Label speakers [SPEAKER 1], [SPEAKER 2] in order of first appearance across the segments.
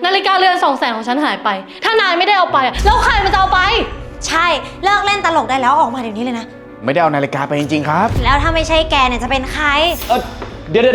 [SPEAKER 1] นาฬิกาเรือน200,000ของฉันหายไปถ้านายไม่ได้เอาไปแล้วใครมันจะเอาไป
[SPEAKER 2] ใช่เลิกเล่นตลกได้แล้วออกมาเดี๋ยวนี้เลยนะ
[SPEAKER 3] ไม่ได้เอานาฬิกาไปจริงๆครับ
[SPEAKER 2] แล้วถ้าไม่ใช่แกเนี่ยจะเป็นใคร
[SPEAKER 3] เดี๋ยว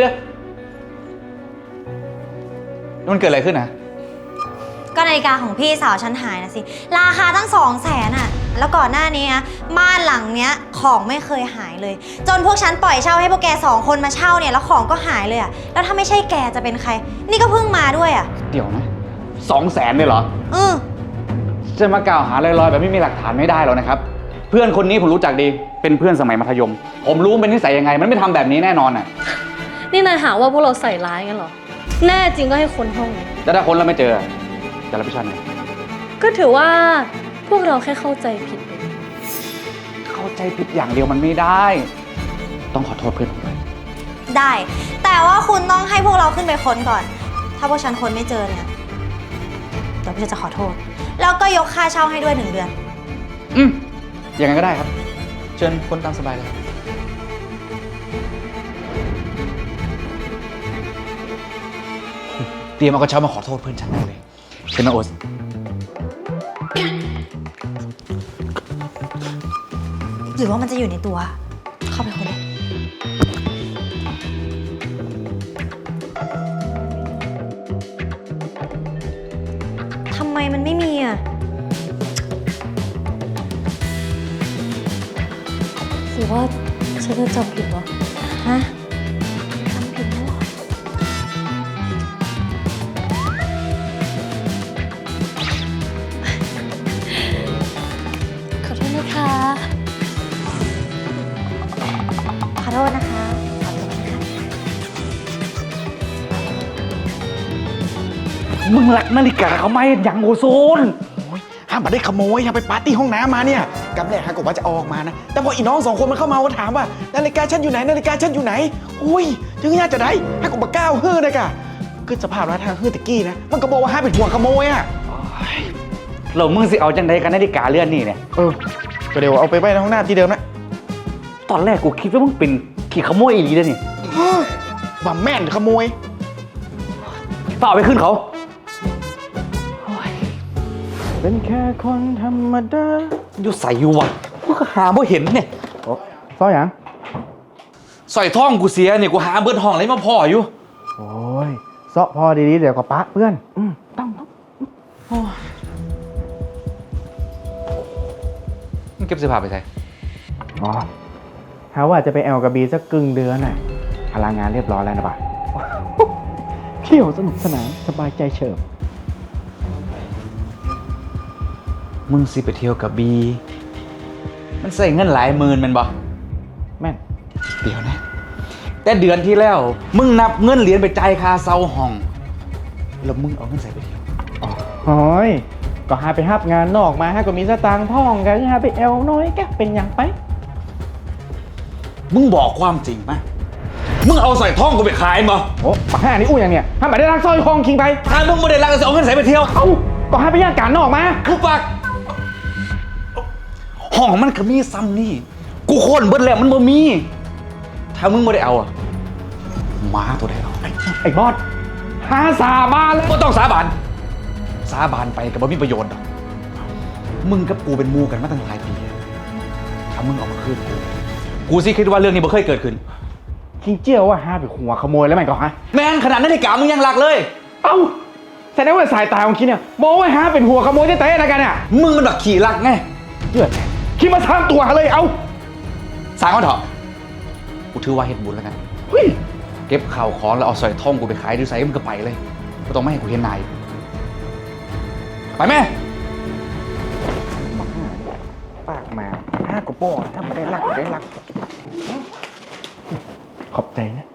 [SPEAKER 3] มันเกิดอะไรขึ้นนะ
[SPEAKER 2] ก็นาฬิกาของพี่สาวฉันหายนะสิราคาตั้ง200,000อ่ะแล้วก่อนหน้านี้นะบ้านหลังเนี้ยของไม่เคยหายเลยจนพวกฉันปล่อยเช่าให้พวกแก2 คนมาเช่าเนี่ยแล้วของก็หายเลยอ่ะแล้วถ้าไม่ใช่แกจะเป็นใครนี่ก็เพิ่งมาด้วยอ่ะ
[SPEAKER 3] เดี๋ยวนะ200,000เลยเหรอจะมากล่าวหาลอยๆแบบไม่มีหลักฐานไม่ได้หรอกนะครับเพื่อนคนนี้ผมรู้จักดีเป็นเพื่อนสมัยมัธยมผมรู้เป็นนิสัยยังไงมันไม่ทำแบบนี้แน่นอนอ่ะ
[SPEAKER 1] นี่นายหาว่าพวกเราใส่ร้ายกันเหรอแน่จริงก็ให้ค้นห้อง
[SPEAKER 3] แล้วถ้าค้นแล้วไม่เจอจะรับผิดชอบไง
[SPEAKER 1] ก็ถือว่าพวกเราแค่เข้าใจผิด
[SPEAKER 3] เข้าใจผิดอย่างเดียวมันไม่ได้ต้องขอโทษเพื่อนผมด้วย
[SPEAKER 2] ได้แต่ว่าคุณต้องให้พวกเราขึ้นไปค้นก่อนถ้าพวกฉันค้นไม่เจอเนี่ยเดี๋ยวพี่จะขอโทษแล้วก็ยกค่าเช่าให้ด้วย1 เดือน
[SPEAKER 3] อย่างนั้นก็ได้ครับเชิญค้นตามสบายเลยเตรียมเอากระเช้ามาขอโทษเพื่อนฉันได้เลยเชิญนะโอ๊ต
[SPEAKER 2] หรือว่ามันจะอยู่ในตัวเข้าไปค้นเลยทำไมมันไม่มีอ่ะ
[SPEAKER 1] หรือว่าฉันจะจำผิดวะ
[SPEAKER 2] ฮะจำผิดแล้ว
[SPEAKER 1] ขอโทษนะคะ
[SPEAKER 2] ขอโทษนะคะขอโทษนะคะ
[SPEAKER 3] มึงหลักนาฬิกาเขาไหมอย่างโอโซนห้ามมาได้ขโมยห้ามไปปาร์ตี้ห้องน้ำมาเนี่ยกำแรกฮะกว่าจะออกมานะแต่พออีน้อง2 คนมันเข้ามาถามว่านาฬิกาฉันอยู่ไหนนาฬิกาฉันอยู่ไหนอุ้ยถึงน่าจะได้ฮะกูมาก้าวฮื้อนะกะคือสภาพร้านทางฮื้อตะกี้นะมันก็บอกว่าห้ามเป็นห่วงขโมยอ่ะเรามึงสิเอาจังไดกันนาฬิกาเลื่อนนี่เนี่ยก็เดี๋ยวเอาไปไว้ในห้องน้ำที่เดิมนะตอนแรกกูคิดว่ามึงเป็นขี่ขโมยอีหลีนะนี่ว่าแม่นขโมยเปล่าไปขึ้นเขาเป็นแค่คนธรรมดาอยู่ใส่อยู่วะกูก็หาบ่เห็นเนี่ยซ่อยหยังใส่ท่องกูเสียเนี่ยกูหาเบิดห้องอะไรมาพ่ออยู่โอ้ยเซาะพอดีๆเดี๋ยวก็ปะเพื่อนต้องมึงเก็บเสื้อผ้าไปใส่หาว่าจะไปแอลกับบีสักครึ่งเดือนน่ะพลังงานเรียบร้อยแล้วนะบ่าเที่ยวสนุกสนานสบายใจเฉิบมึงสิไปเที่ยวกับบีมันใส่เงินหลายหมื่นมันบ่แม่นเดี๋ยวนะแต่เดือนที่แล้วมึงนับเงินเหรียญไปจ่ายค่าเช่าห้องแล้วมึงเอาเงินใส่ไปเที่ยวโอ้ยก็หาไปฮับงานนอกมาฮะก็มีสตางค์พ่องกันหาไปแอลน้อยแกเป็นอย่างไปมึงบอกความจริงมั้ยมึงเอาใส่ท่องกูไปขายมั้ยโอ้ปากห้านี่อู้อย่างเนี้ยถ้าไม่ได้รักสร้อยทองคิงไปถ้ามึงไม่ได้รักจะเอาเงินใส่ไปเที่ยวก็หาไปย่างการนอกมาคือปากห้องมันก็มีซ้ำนี่กูโค่นเบิดแล้วมันบ่มีถ้ามึงไม่ได้เอาม้าตัวใดเอาไอ้บอสหาสาบานเลยก็ต้องสาบานไปกับบ่มีประโยชน์หรอกมึงกับกูเป็นมูกันมาตั้งหลายปีถ้ามึงเอามาคืนกูสิคิดว่าเรื่องนี้บ่เคยเกิดขึ้นคิงเจี้ยวว่าหาไปหัวขโมยแล้วมันก็ฮะแม่งขนาดนาฬิกามึงยังหลักเลยเอ้าแสดงว่าสายตาของคิดเนี่ยมองว่าหาเป็นหัวขโมยได้ๆนะกันเนี่ยมึงมันแบบขี่หลักไงเดือดคิดมาสร้างตัวเลยเอาสร้างมันเถอะกูถือว่าเฮ็ดบุญแล้วกันเก็บข่าวของแล้วเอาสร้อยทองกูไปขายดูไซส์มึงก็ไปเลยไม่ต้องไม่ให้กูเห็นนายไปแม่ปากมาห้ากระป๋อถ้าไม่ได้รักขอบใจนะ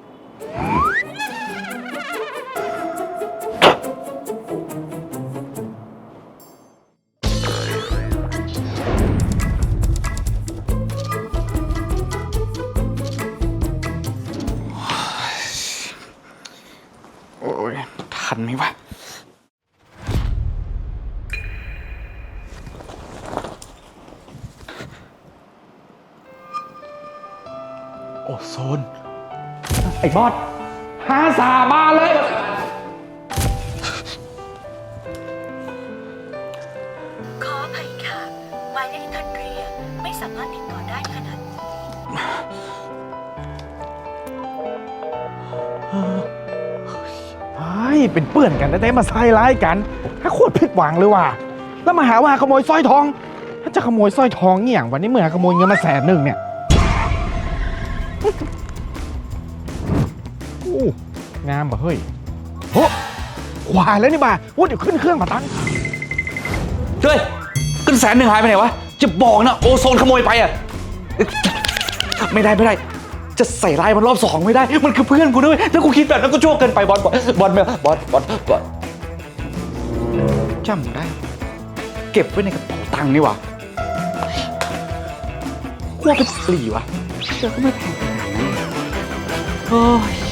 [SPEAKER 3] ทันไหมวะโอโซนไอ้บอสหาสาบานเลย
[SPEAKER 4] ายที่ท่านเรียกไม่สามารถติดต่อได้ขนาดนี้
[SPEAKER 5] ไอ้เป็นเปื่อนกันแต่มาใส่ร้ายกันถ้าโคตรผิดหวังเลยว่ะแล้วมาหาว่าขโมยสร้อยทอง ถ้าจะขโมยสร้อยทองเนี่ยวันนี้เมื่อขโมยเงินมา100,000เนี่ยโอ้งามป่ะเฮ้ยโหควายแล้วนี่บ่าว่าเดี๋ยวขึ้นเครื่องมาตั้ง
[SPEAKER 3] เฮ้ยขึ้น100,000หายไปไหนวะ จะบอกนะโอโซนขโมยไปอ่ะ ไม่ได้ จะใส่ร้ายมันรอบ2ไม่ได้ มันคือเพื่อนกูด้วยถ้ากูคิดแบบนั้นก็ชั่วเกินไปบอลจำได้ เก็บไว้ในกระเป๋าตังค์นี่หว่าว่าเป็นปลีวะเจอก็ไม่แพงขนาดนั้นโอ้ย